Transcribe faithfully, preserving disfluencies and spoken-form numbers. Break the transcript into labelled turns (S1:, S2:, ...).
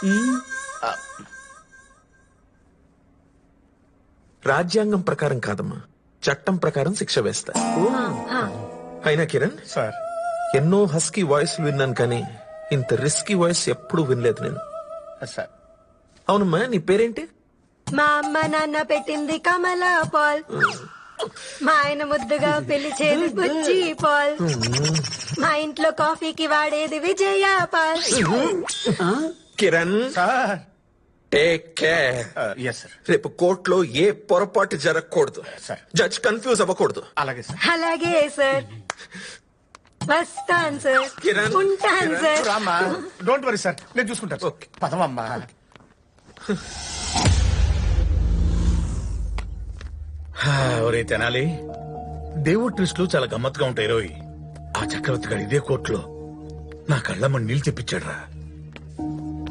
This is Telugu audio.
S1: రాజ్యాంగం ప్రకారం కాదమ్మా, చట్టం ప్రకారం శిక్ష వేస్తా. అయినా కిరణ్
S2: సార్,
S1: ఎన్నో హస్కీ వాయిస్ విన్నాను కానీ ఇంత రిస్కీ వాయిస్ ఎప్పుడు వినలేదు నేను.
S2: సార్
S1: అవునమ్మా, నీ పేరేంటి?
S3: మా అమ్మ నాన్న పెట్టింది కమలా పాల్, మా ఆయన ముద్దుగా పిలిచేది బుజ్జి పాల్, మా ఇంట్లో కాఫీకి వాడేది విజయ పాల్.
S1: Kiran
S2: sir
S1: take care.
S2: Yes sir.
S1: రేపు కోర్టులో ఏ పొరపాటు జరగకూడదు.
S2: సార్.
S1: జడ్జ్ కన్ఫ్యూజ్ అవ్వకూడదు.
S2: అలాగే సార్.
S3: అలాగే సార్. వస్తాను సార్.
S1: కిరణ్,
S3: ఉంటాను
S1: కిరణ్,
S3: సార్.
S2: రామ్మా, డోంట్ వరీ సార్, నేను చూసుకుంటాను.
S1: ఓకే.
S2: పదమమ్మా.
S4: ఒరే తెనాలి, దేవుడు ట్విస్టులు చాలా గమ్మత్తుగా ఉంటాయి రోయ్. ఆ చక్రవర్తి గారు ఇదే కోర్టులో నా కళ్ళమ్మని నీళ్ళు తెప్పించాడు రా.